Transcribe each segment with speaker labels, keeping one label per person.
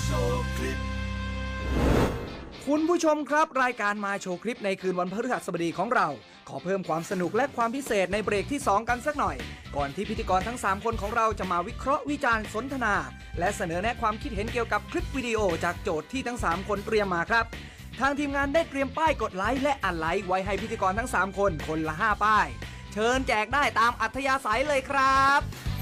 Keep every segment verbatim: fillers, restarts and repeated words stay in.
Speaker 1: คุณผู้ชมครับรายการมาโชว์คลิปในคืนวันพฤหัสบดีของเราขอเพิ่มความสนุกและความพิเศษในเบรกที่สองกันสักหน่อยก่อนที่พิธีกรทั้งสามคนของเราจะมาวิเคราะห์วิจารณ์สนทนาและเสนอแนะความคิดเห็นเกี่ยวกับคลิปวิดีโอจากโจทย์ที่ทั้งสามคนเตรียมมาครับทางทีมงานได้เตรียมป้ายกดไลค์และอันไลค์ไว้ให้พิธีกรทั้งสามคนคนละห้าป้ายเชิญแจกได้ตามอัธยาศัยเลยครับ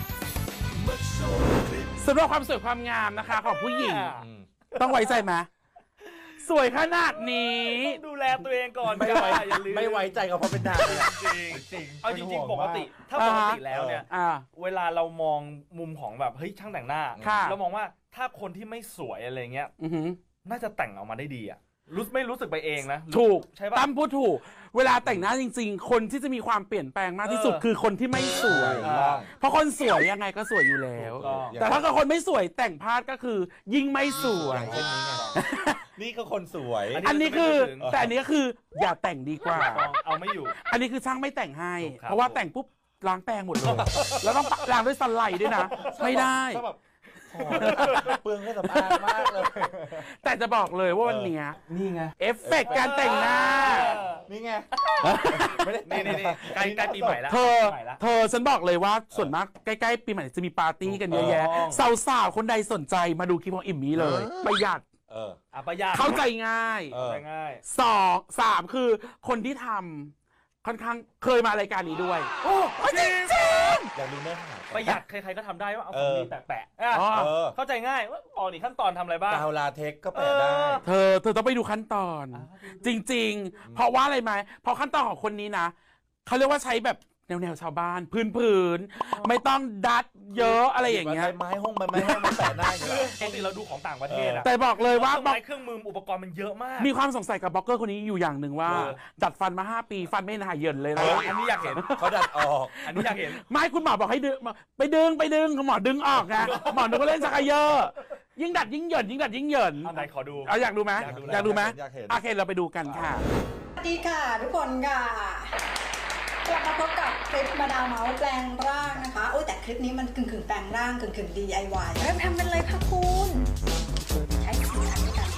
Speaker 2: สำหรับความสวยความงามนะคะของผู้หญิงต้องไว้ใจไหมสวยขนาดนี้
Speaker 3: ดูแลตัวเองก่อน
Speaker 4: ไม่ไว้ไม่ไว้ใจก็เพราะเป็นดาว
Speaker 3: จริงจริงเอาจริงๆปกติถ้าปกติแล้วเนี่ยเวลาเรามองมุมของแบบเฮ้ยช่างแต่งหน้าเรามองว่าถ้าคนที่ไม่สวยอะไรเงี้ยน่าจะแต่งออกมาได้ดีอะรู้ไม่รู้สึกไปเองนะ
Speaker 2: ถูก
Speaker 3: ใช่ป่ะ
Speaker 2: ตั้มพูดถูกเวลาแต่งหน้าจริงๆคนที่จะมีความเปลี่ยนแปลงมากที่สุดคือคนที่ไม่สวยเพราะคนสวยยังไงก็สวยอยู่แล้วแต่ถ้าคนไม่สวยแต่งพลาดก็คือยิ่งไม่สวย
Speaker 4: นี่ก็คนสวย
Speaker 2: อันนี้คือแต่อันนี้ก็คืออย่าแต่งดีกว่า
Speaker 3: เอาไม่อยู่
Speaker 2: อันนี้คือช่างไม่แต่งให้เพราะว่าแต่งปุ๊บล้างแปรงหมดเลยแล้วต้องล้างด้วยสไลด์ด้วยนะไม่ได้
Speaker 4: เปลืองแค่สำอางมากเลย
Speaker 2: แต่จะบอกเลยว่าวันนี้
Speaker 3: นี่ไง
Speaker 2: เอฟเฟกต์การแต่งหน้า
Speaker 4: นี่ไง
Speaker 3: ไม่ได้นี่นี่ใกล้ใกล้ปีใหม่แล้ว
Speaker 2: เธอเธอฉันบอกเลยว่าส่วนมากใกล้ๆปีใหม่จะมีปาร์ตี้กันเยอะแยะสาวๆคนใดสนใจมาดูคลิปของอิ่มนี้เลยประหยัด
Speaker 3: เออประหยัด
Speaker 2: เข้าใจง่าย
Speaker 3: ง่าย
Speaker 2: สองสามคือคนที่ทำค่อนข้างเคยมารายการนี้ด้วย
Speaker 3: โอ้จริงจริง
Speaker 4: อยากดูเนื้อหา
Speaker 3: ประหยัดใครๆก็ทำได้ว่าเอาของดีแปะๆเข้าใจง่ายว่าอ๋อนี่ขั้นตอนทำอะไรบ้าง
Speaker 4: กาวลาเทคก็แปะได้
Speaker 2: เธอเธอต้องไปดูขั้นตอนจริงๆเพราะว่าอะไรไหมเพราะขั้นตอนของคนนี้นะเขาเรียกว่าใช้แบบแนวๆชาวบ้านพื้นๆไม่ต้องดัดเยอะอะไรอย่างเงี้ย
Speaker 4: ไม้ห้องไม้ห้องมันแปะได้
Speaker 3: ปกติเราดูของต่างประเทศอะ
Speaker 2: แต่บอกเลยว่า
Speaker 3: เครื่องมืออุปกรณ์มันเยอะมาก
Speaker 2: มีความสงสัยกับบล็อกเกอร์คนนี้อยู่อย่างหนึ่งว่าดัดฟันมาห้าปีฟันไม่หายเยินเลยนะ
Speaker 3: อันนี้อยากเห็น
Speaker 4: เขาดัดออก
Speaker 3: อันนี้อยากเห็น
Speaker 2: ไม่คุณหมอบอกให้ดึงไปดึงไปดึงหมอดึงออกไงหมอดึงก็เล่นชักเยอะยิ่งดัดยิ่งเหยินยิ่งดัดยิ่งเหยิน
Speaker 3: ไหนขอดู
Speaker 2: เอาอยากดูไหมอยากดูไหมโอเคเราไปดูกันค่ะ
Speaker 5: สวัสดีค่ะทุกคนค่ะกลับมาพบกับคลิปมาดามเมาส์แปลงร่างนะคะโอ้ยแต่คลิปนี้มันกึ่งกึ่งแปลงร่างกึ่งกึ่ง ดี ไอ วาย เริ่มทำกันเลยค่ะคุณใช้สีสันด้วยกัน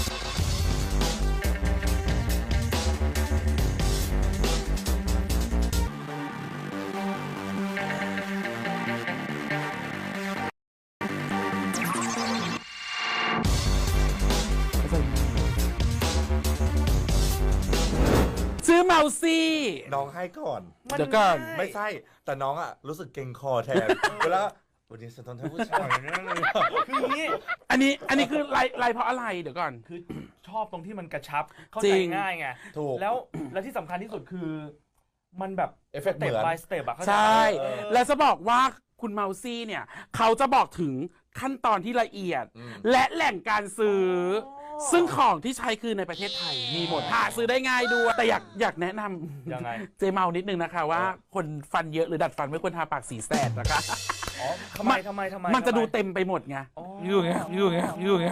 Speaker 2: ซื้อเมาซี่
Speaker 4: น้องให้ก่อน
Speaker 2: เดี๋ยวก่อน
Speaker 4: ไม่ใช่แต่น้องอ่ะรู้สึกเกรงคอแทนแล้ววันนี้สะท้อนท่านผู้ชายนั่นเลย
Speaker 3: คือนี้
Speaker 2: อันนี้อันนี้คือลายลายเพราะอะไรเดี๋ยวก่อน
Speaker 3: คือชอบตรงที่มันกระชับเข้าใจง่ายไง
Speaker 4: ถูก
Speaker 3: แล้วแล้วที่สำคัญที่สุดคือมันแบบ
Speaker 4: เอฟเฟกต์เหมือน
Speaker 3: by step อะ
Speaker 2: ใช่แล้วจะบอกว่าคุณเมาซี่เนี่ยเขาจะบอกถึงขั้นตอนที่ละเอียดและแหล่งการซื้อซึ่งของที่ใช้คือในประเทศไทยมีหมดหาซื้อได้ง่ายด้วยแต่อยากอยากแนะนำ
Speaker 3: ยังไง
Speaker 2: เจเมานิดนึงนะคะว่าคนฟันเยอะหรือดัดฟันไม่ควรทาปากสีแสดนะคะ
Speaker 3: อ๋อทำไมทำไมทำไม
Speaker 2: มันจะดูเต็มไปหมดไงอยู่ไงอยู่ไงอยู่ไง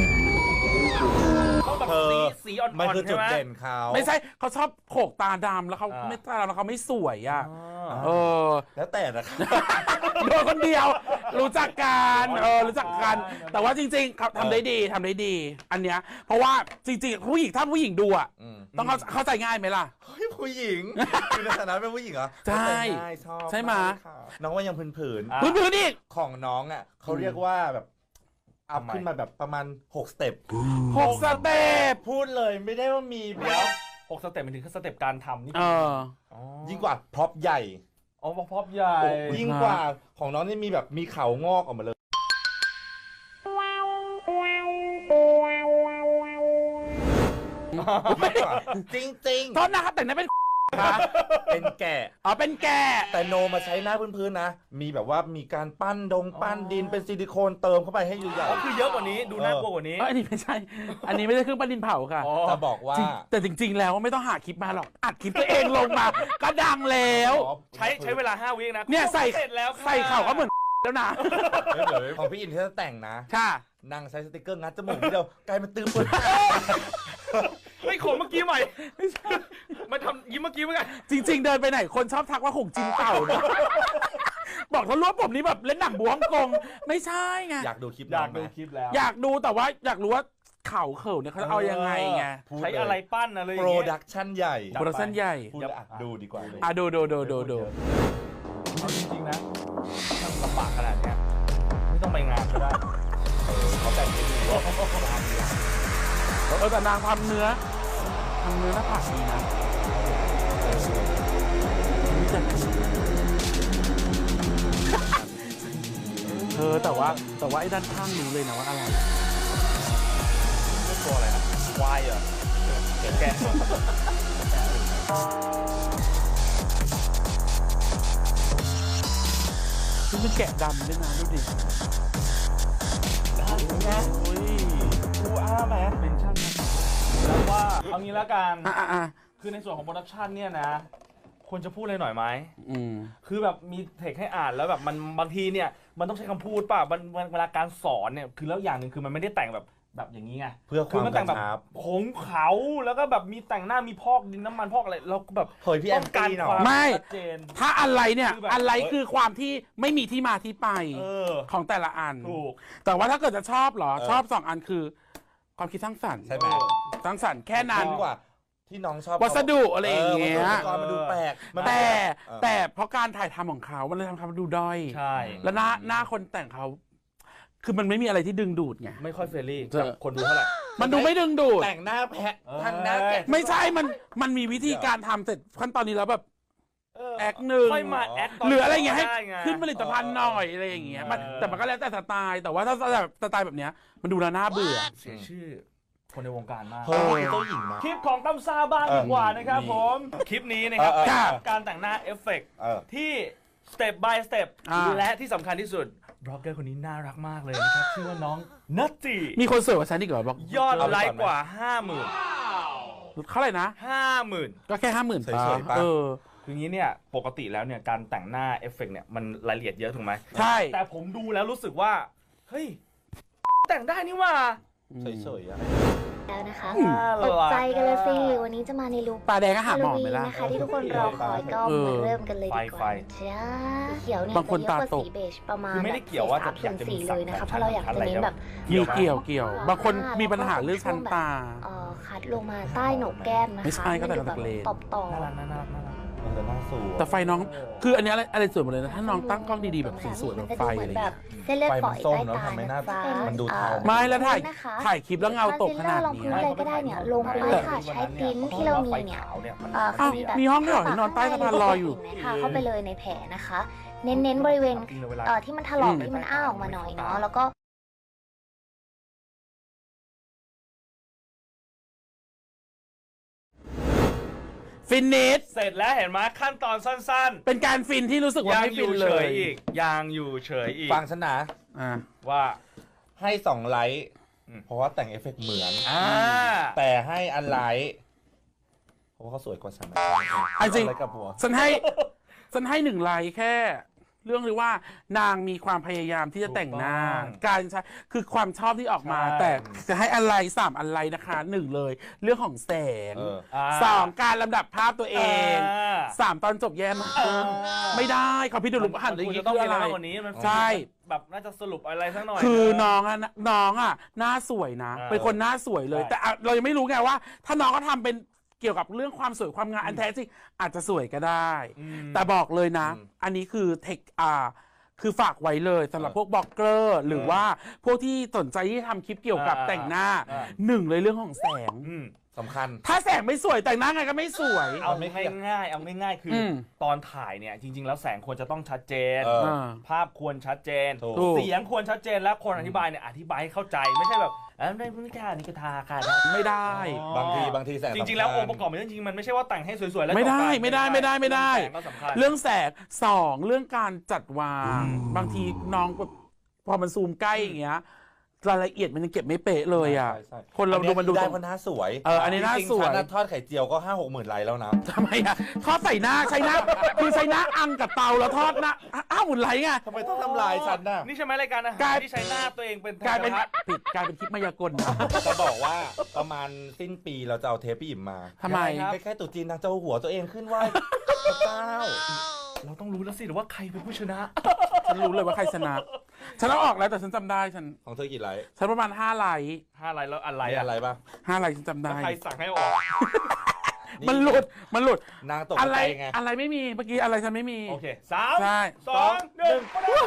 Speaker 3: เขาแบบสีสีอ่อนๆ
Speaker 4: มันคือจุดเด่นเขา
Speaker 2: ไม่ใช่เขาชอบโขกตาดำแล้วเขาไม่ตาดำแล้วเขาไม่สวยอ่ะเออ
Speaker 4: แล้วแต่นะครับ
Speaker 2: โดนคนเดียวรู้จักกันเออรู้จักกันแต่ว่าจริงๆเขาทำได้ดีทำได้ดีอันเนี้ยเพราะว่าจริงๆผู้หญิงถ้าผู้หญิงดูอ่ะต้องเข้าใจง่ายไหมล่ะ
Speaker 4: ผู้หญิงคือในฐานะเป็นผู้หญิงเหรอ
Speaker 2: ใช่
Speaker 4: ชอบ
Speaker 2: ใช่ไหม
Speaker 4: น้องว่ายังผืนผืน
Speaker 2: ผืนผืนอีก
Speaker 4: ของน้องอ่ะเขาเรียกว่าแบบอัพขึ้นมาแบบประมาณหกสเต็ป
Speaker 2: หกสเต็ป
Speaker 4: พูดเลยไม่ได้ว่ามี
Speaker 3: เดี๋ยวหกสเต็ปมันถึงแค่สเต็ปการทำนี่
Speaker 4: ยิ่งกว่าพร็อพใหญ่
Speaker 3: อ๋อพร็อพใหญ่
Speaker 4: ยิ่งกว่าของน้องนี่มีแบบมีเขางอกออกมาเลยจริงจริง
Speaker 2: โทษนะครับแต่นั่นเป็น
Speaker 4: เป็นแกะ
Speaker 2: อ๋อเป็นแกะ
Speaker 4: แต่โนมาใช้หน้าพื้นๆนะมีแบบว่ามีการปั้นดงปั้นดินเป็นซิลิโคนเติมเข้าไปให้ใหญ่
Speaker 3: ๆคือเยอะกว่านี้ดูน่ากลัวกว่านี้
Speaker 2: อันนี้ไม่ใช่อันนี้ไม่ใช่เครื่องปั้นดินเผาค่ะ
Speaker 4: จะบอกว่า
Speaker 2: แต่จริงๆแล้วไม่ต้องหาคลิปมาหรอกอัดคลิปตัวเองลงมาก็ดังแล้ว
Speaker 3: ใช้ใช้เวลาห้าวินะ
Speaker 2: เนี่ยใส่ใส่เข่าก็เหมือนแล้วนะ
Speaker 4: ของพี่อินที่จะแต่งนะ
Speaker 2: ค่ะ
Speaker 4: นั่งใช้สติ๊กเกอร์งัดจมูกทีเดียวกลายเป็นตื้อปืน
Speaker 3: ไม่ขมเมื่อกี้ใหม่มาทำยิ้มเมื่อกี้เหมือนกัน
Speaker 2: จริงๆเดินไปไหนคนชอบทักว่าหงจินเต่าเนี่ยบอกถ้ารวบผมนี่แบบเล่นหนังบวงกงไม่ใช่ไง
Speaker 4: อยากดูคลิป
Speaker 3: อยาก
Speaker 4: น้งไหม
Speaker 3: ดูคลิปแล้ว
Speaker 2: อยากดูแต่ว่าอยากรู้ว่าเข่าเข่าเนี่ยเขาเอายังไงไง
Speaker 4: พูด
Speaker 3: ใช้อะไรปั้นอะไรอ
Speaker 4: โป
Speaker 3: ย่าง
Speaker 4: ร
Speaker 3: เงี้ย
Speaker 4: ดักชั่นใหญ่
Speaker 2: โปรดักชั่นใหญ่
Speaker 4: พูดแล้วอ่ะดูดีกว่าเลย
Speaker 2: อ่ะดูดูดูดูดู
Speaker 3: เอาจริงๆนะมันลำบากขนาดเนี้ยไม่ต้องไปงานก็ได้
Speaker 4: เออเขาแต่งให้ดูว่า
Speaker 2: เออแต่นางทำเนื้อทำเนื้อหน้าผากดีนะเออแต่ว่าแต่ว่าไอ้ด้านข้างรู้เลยนะว่าอะไร
Speaker 3: ตัวอะไรนะควายเหรอแกะแกะ
Speaker 2: นี่มันแกะดำด้วยนะดูดิ
Speaker 3: นะ
Speaker 2: โอ้ย
Speaker 3: กูอ้าแมสเป็นชั่นนะแล้วว่าเอางี้ละกัน
Speaker 2: อ่ะอ่ะอ่ะ
Speaker 3: คือในส่วนของโปรดักชันเนี่ยนะควรจะพูดอะไรหน่อยไหม
Speaker 2: อืม
Speaker 3: คือแบบมีเทคให้อ่านแล้วแบบมันบางทีเนี่ยมันต้องใช้คำพูดป่ะมันมันเวลาการสอนเนี่ยคือแล้วอย่างหนึ่งคือมันไม่ได้แต่งแบบแบบอย่างนี้ไง
Speaker 4: เพื่อค
Speaker 3: คื
Speaker 4: วาม
Speaker 3: มันแต่งแบบ
Speaker 4: กระชับ
Speaker 3: ผงเขาแล้วก็แบบมีแต่งหน้ามีพอกดินน้ำมันพอกอะไรเราก็แบบ
Speaker 4: เฮ้ยพี่แอ
Speaker 3: ต้
Speaker 4: ม
Speaker 3: องการ
Speaker 4: ตีหน่อ
Speaker 3: ความ
Speaker 4: ย
Speaker 2: ไม่
Speaker 3: ชัดเจน
Speaker 2: ถ้าอะไรเนี่ย
Speaker 3: คือแบบ
Speaker 2: อะไรคือความที่ไม่มีที่มาที่ไป
Speaker 3: เออ
Speaker 2: ของแต่ละอัน
Speaker 3: ถูก
Speaker 2: แต่ว่าถ้าเกิดจะชอบเหรอ
Speaker 4: เออ
Speaker 2: ชอบสองอันคือความคิดสร้างสรรค์
Speaker 4: ใช่ไหม
Speaker 2: สร้างสรรค์แค่นั้น
Speaker 4: ดีกว่าที่น้องชอบ
Speaker 2: วัสดุอะไรอย่างเงี้ย
Speaker 4: วัสดุอุปกรณ์มันดูแปลกมัน
Speaker 2: แต่
Speaker 4: เออ
Speaker 2: แต่เพราะการถ่ายทำของเขามันเลยทำให้ดูด้อย
Speaker 3: ใช่
Speaker 2: แล้วหน้าหน้าคนแต่งเขา คือมันไม่มีอะไรที่ดึงดูดไง
Speaker 3: ไม่ค่อยเฟรนลี่
Speaker 2: เจอ
Speaker 3: กับคนดูเท่าไหร่
Speaker 2: มันดูไม่ดึงดูด
Speaker 4: แต่งหน้าแพะ
Speaker 3: เออ
Speaker 4: ทางหน้าแกะ
Speaker 2: ไม่ใช่ มัน มันมีวิธีการทำเสร็จขั้นตอนนี้แล้วแบบ
Speaker 3: เออ
Speaker 2: แอคหนึ่ง
Speaker 3: ค่อยมาแอคตน
Speaker 2: หรืออะไรอย่างเงี้ยให้
Speaker 3: ได้ไง
Speaker 2: ขึ้นผลิตภัณฑ์หน่อยอะไรอย่างเงี้ยมัน
Speaker 3: เออ
Speaker 2: แต่มันก็แล้วแต่สไตล์ แต่ว่าถ้าแบบสไตล์แบบเนี้ยมันดูแล้วน่าเบื่อ
Speaker 3: เสียชื่อคนในวงการมาก
Speaker 4: เฮ้ยเจ้าหญิงนะ
Speaker 3: คลิปของตั้มซ่าบ้าง
Speaker 4: เออ
Speaker 3: ดีกว่านะครับ
Speaker 4: นี่
Speaker 3: ผม คลิปนี้นะครับ
Speaker 4: เออเออ
Speaker 2: ครับ
Speaker 3: การแต่งหน้าเอฟเฟกต์
Speaker 4: เออ
Speaker 3: ที่สเต็ป by สเต็ป
Speaker 2: อ่า
Speaker 3: และที่สำคัญที่สุดบล็อกเกอร์คนนี้น่ารักมากเลยนะครับ ชื่อว่าน้องนัตจี
Speaker 2: มีคนสวยกว่าฉันอีกเหรอบอก
Speaker 3: ยอด
Speaker 4: เอาไป
Speaker 3: ไล
Speaker 4: ก่อน
Speaker 3: ค์
Speaker 4: ไหม
Speaker 3: กว่า ห้าหมื่น
Speaker 2: เท่าไหร่นะ
Speaker 3: ห้าหมื่น
Speaker 2: ก็แค่ห้าหมื่น
Speaker 4: เฉยๆปะ
Speaker 2: เออ
Speaker 3: คืองี้เนี่ย ปกติแล้วเนี่ยการแต่งหน้าเอฟเฟกต์เนี่ยมันรายละเอียดเยอะถูกไหม
Speaker 2: ใช่
Speaker 3: แต่ผมดูแล้วรู้สึกว่า เฮ้ย แต่งได้นี่หว่า
Speaker 4: เฉยๆอะ
Speaker 6: แล้วนะคะ
Speaker 3: น่า
Speaker 6: ตก
Speaker 3: รัก
Speaker 6: ใจกันเลยสิวันนี้จะมาในลุค
Speaker 2: ตาแดงก็หาหมอ
Speaker 6: ฮาโลวี
Speaker 2: ไหม
Speaker 6: น
Speaker 2: ล่ะ
Speaker 6: นะคะที่ทุกคนรอคอยก็
Speaker 2: เออ
Speaker 6: มาเริ่มกันเลยดีก
Speaker 3: ไฟ
Speaker 6: ว่า
Speaker 3: ไฟ
Speaker 6: จ้าเขียวเนี่ย
Speaker 2: บางคน
Speaker 6: จะเยอะกว่า
Speaker 2: ตาตก
Speaker 6: สีเบจประมาณ
Speaker 3: คือไม่ได้เกี่ยวว่าจะอยากจะมี
Speaker 6: สี
Speaker 3: สั
Speaker 6: เล
Speaker 3: ก
Speaker 6: ยนะคะ
Speaker 3: แบบ
Speaker 6: เพราะเราอยากจะเน้นแบบ
Speaker 2: มีเกี่ยวเกี่ยว บางคนมีปัญหาเรื่องชั้นตา
Speaker 6: เอ่อคัดลงมาใต้โหนกแก้มนะคะ
Speaker 2: ไม่ใช่ก็แต่
Speaker 6: นดูแบบ
Speaker 2: เลน
Speaker 6: ตอบต่อ
Speaker 3: น่ารักน่ารักน่ารัก
Speaker 4: มันจะน่าสวย
Speaker 2: แต่ไฟน้อง คืออันเนี้ยอะไรอะไรสวยหมดเลยนะ ถ้าน้องตั้งกล้องดีๆแบบสีสวยแบบไฟอะไร
Speaker 6: แบ
Speaker 2: เงี้
Speaker 6: บ
Speaker 2: ย
Speaker 6: เส้นเลือด
Speaker 4: ไฟ
Speaker 6: ฝ
Speaker 4: มั
Speaker 6: อน ย
Speaker 4: ส้ม
Speaker 6: ใต้
Speaker 4: เนอะ
Speaker 6: ตา
Speaker 4: ทำให้หน้า
Speaker 6: นะคะ
Speaker 4: มันดูเทา
Speaker 2: ไม่แล้วถ่าย
Speaker 6: นะคะ
Speaker 2: ถ่ายคลิปแล้วเงาตกขนาด
Speaker 6: ลอง
Speaker 2: นี้
Speaker 6: พื้นเลยก็ได้เนี่ยลงไปค่ะใช้ปิ้นที่เรามีเนี่ย เอ่อ
Speaker 2: อ้าว
Speaker 6: แบบ
Speaker 2: มีห้องด้วยเหรอที่นอนใต้สะพานลอยอยู่
Speaker 6: ทาเข้าไปเลยในแผลนะคะ เน้นๆบริเวณเอ่อที่มันถลอก
Speaker 2: อืม
Speaker 6: ที่มันอ้าออกมาหน่อยเนาะแล้วก็
Speaker 2: ฟินนิส
Speaker 3: เสร็จแล้วเห็นไหมขั้นตอนสั้น
Speaker 2: เป็นการฟินที่รู้สึก
Speaker 3: ๆ
Speaker 2: ว่า
Speaker 3: ยัง
Speaker 2: ไม่
Speaker 3: อ
Speaker 2: ฟิน
Speaker 3: ยู่
Speaker 2: เล
Speaker 3: เฉ
Speaker 2: ย
Speaker 3: ยอีกยังอยู่เฉยอีก
Speaker 4: ฟังฉันนะ
Speaker 2: อ่า
Speaker 3: ว่า
Speaker 4: ให้สองไลท์
Speaker 3: อืม
Speaker 4: เพราะว่าแต่งเอฟเฟกต์เหมือน
Speaker 3: อ่า
Speaker 4: แต่ให้อันไลท์เพราะว่าเขาสวยกว่าฉัน
Speaker 2: อันจริง
Speaker 4: อะไรกับหัว
Speaker 2: ฉันให้ฉันให้หนึ่งไลค์แค่ เรื่องที่ว่านางมีความพยายามที่จะแต่งหน้า การใช้คือความชอบที่ออกมา แต่จะให้อะไรสามอะไรนะคะหนึ่งเลย เรื่องของแสง
Speaker 4: เออ
Speaker 3: า
Speaker 2: สองการลำดับภาพตัวเอง
Speaker 3: อ่า
Speaker 2: สามตอนจบแย่มาก
Speaker 3: อ่า
Speaker 2: ไม่ได้เขาพี่ดูรูปหัน
Speaker 3: มั
Speaker 2: อย่าง
Speaker 3: ควร
Speaker 2: นี้
Speaker 3: จะต้อง
Speaker 2: คือ
Speaker 3: มี
Speaker 2: อะไร
Speaker 3: มากกว่านี้มัน
Speaker 2: ใช่
Speaker 3: แบบน่าจะสรุปอะไรสักหน่อย
Speaker 2: คือ
Speaker 3: นะ
Speaker 2: น้องอะน้องอะหน้าสวยนะ
Speaker 3: อ่า
Speaker 2: เป็นคนหน้าสวยเลย
Speaker 3: ใช่
Speaker 2: แต่อะเรายังไม่รู้ไงว่า ถ้าน้องก็ทำเป็นเกี่ยวกับเรื่องความสวยความงามอันแท้จริงอาจจะสวยก็ได้
Speaker 3: อืม
Speaker 2: แต่บอกเลยนะ
Speaker 4: อืม
Speaker 2: อันนี้คือเทคอ่าคือฝากไว้เลยสำหรับ
Speaker 4: เออ
Speaker 2: พวกบล็อกเกอร์หรือว่าพวกที่สนใจที่ทำคลิปเกี่ยวกับ
Speaker 3: อ่า
Speaker 2: แต่งหน้า
Speaker 3: อ่า
Speaker 2: หนึ่งเลยเรื่องของแสง
Speaker 3: อืม
Speaker 4: สำคัญ
Speaker 2: ถ้าแสงไม่สวยแต่งหน้าไงก็ไม่สวย
Speaker 3: เอา
Speaker 4: ไม่
Speaker 3: ไม่ง่ายๆเอาง่ายๆคืออ
Speaker 2: ม
Speaker 3: ตอนถ่ายเนี่ยจริง ๆ แล้วแสงควรจะต้องชัดเจน
Speaker 4: เออ
Speaker 2: อ่า
Speaker 3: ภาพควรชัดเจน
Speaker 4: ถูก
Speaker 2: ถูก
Speaker 3: เสียงควรชัดเจนและคนอธิบายเนี่ยอธิบายให้เข้าใจไม่ใช่แบบเอ้ยไม่ไม่ค่ะนี่ก็ทาค่ะ
Speaker 2: ไม่ได้
Speaker 4: บางทีบางทีแสง
Speaker 3: จริงๆ แล้วองค์ประกอบมันจริงๆมันไม่ใช่ว่าแต่งให้สวยๆแล้ว
Speaker 2: ไม่ได้
Speaker 3: จบกัน
Speaker 2: ไม่ได้ไม่ได้ไม่ได้
Speaker 3: แสงก็สำคัญ
Speaker 2: เรื่องแสงสองเรื่องการจัดวาง
Speaker 3: อืม
Speaker 2: บางทีน้องแบบพอมันซูมใกล้อย่างเงี้ยรายละเอียดมันยังเก็บไม่เป๊ะเลยอ่ะ
Speaker 4: ใช่ใช่
Speaker 2: คนเราดูมันดู
Speaker 4: ได้
Speaker 2: ตรง
Speaker 4: เพราะหน้าสวย
Speaker 2: เอออันนี้หน้า
Speaker 4: จริงๆ
Speaker 2: สวย
Speaker 4: ฉันน่ะทอดไข่เจียวก็ห้าหกหมื่นไลค์แล้วนะ
Speaker 2: ทำไมอ่ะทอดใส่หน้าใช้หน้าคือใช้หน้าอังกับเตาแล้วทอดหน้าอ้าวหมุนไหลไง
Speaker 4: ทำไมต้องทำลายฉันน่ะ
Speaker 3: นี่ใช่ไหมรายการอาหาร
Speaker 2: กลาย
Speaker 3: ที่ใช้หน้าตัวเองเป็น
Speaker 2: กลายเป็น
Speaker 3: กระทะ
Speaker 2: ผิดกลายเป็นคลิปมายากลนะ
Speaker 4: จะบอกว่าประมาณสิ้นปีเราจะเอาเทปพี่อิ่มมา
Speaker 2: ทำไม
Speaker 4: ใกล้ๆตรุ๊จีนนางจะเอาหัวตัวเองขึ้นไหว้พระเจ้า
Speaker 3: เราต้องรู้แล้วสิว่าใครเป็นผู้ชนะ
Speaker 2: ฉันรู้เลยว่าใครชนะฉันเอาออกแล้วแต่ฉันจำได้ฉัน
Speaker 4: ของเธอกี่ไลค์
Speaker 2: ฉันประมาณห้าไลค์
Speaker 3: ห้าอะไรแล้วอะไร
Speaker 4: มี
Speaker 3: อะ
Speaker 4: อะไรป่ะ
Speaker 2: ห้าไลค์ฉันจำได้
Speaker 3: ใครสั่งให้ออก
Speaker 2: มันหลุดมันหลุด
Speaker 4: นางตก
Speaker 2: อะไร
Speaker 4: ใจไง
Speaker 2: อะไรไม่มีเมื่อกี้อะไรฉันไม่มี
Speaker 3: โอเคสาม
Speaker 2: ใช่
Speaker 3: สองหนึ่ง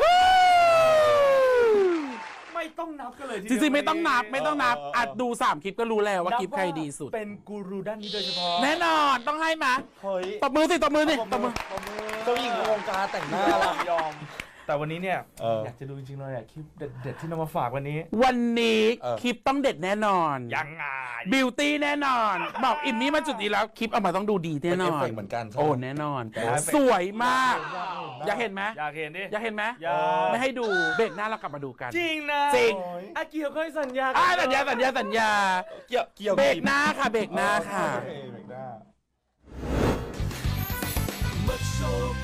Speaker 3: ไม่ต้องนับกันเลยที
Speaker 2: จ
Speaker 3: เดียว
Speaker 2: ริงๆไม่ต้องนับไม่ต้องนับ
Speaker 4: เออเออเออ
Speaker 2: อัดดูสามคลิปก็รู้แล้วว่า
Speaker 3: นับ
Speaker 2: คลิปใครดีสุด
Speaker 3: เป็นกูรูด้านนี้โดยเฉพาะ
Speaker 2: แน่นอนต้องให้มา
Speaker 4: เฮ้ย
Speaker 2: ตบมือสิตบมือสิตบมือ
Speaker 4: เจ้าหญิงในวงการแต่งหน้าละ
Speaker 3: ยอม แต่วันนี้เนี่ย
Speaker 4: เออ
Speaker 3: อยากจะดูจริงๆเลยอะคลิปเด็ดๆที่นำมาฝากวันนี้
Speaker 2: วันนี้
Speaker 4: เออ
Speaker 2: คลิปต้องเด็ดแน่นอน
Speaker 3: ยังไง
Speaker 2: บิวตี้แน่นอน บอกอิมมี่มาจุดนี้แล้วคลิปเอามาต้องดูดีแน่นอ
Speaker 4: เป็น เอฟเฟกต์เหมือนกันใช่ไหม
Speaker 2: โอ้แน่นอน
Speaker 3: แต่เอฟเฟกต์
Speaker 2: สวยมาก อยากเห็นไหม
Speaker 3: อยากเห็นดิ
Speaker 2: อยากเห็นไหม
Speaker 3: อยาก
Speaker 2: ไม่ให้ดูเบรกหน้าเรากลับมาดูกัน
Speaker 3: จริงนะ
Speaker 2: จริง
Speaker 3: อากิเคยสัญญา
Speaker 2: อ่าสัญญาสัญญาสัญญา
Speaker 4: เกี่ยวเกี่ยว
Speaker 2: เบรกหน้าค่ะเบรกหน้าค่ะ
Speaker 4: โอเคเบรกหน้า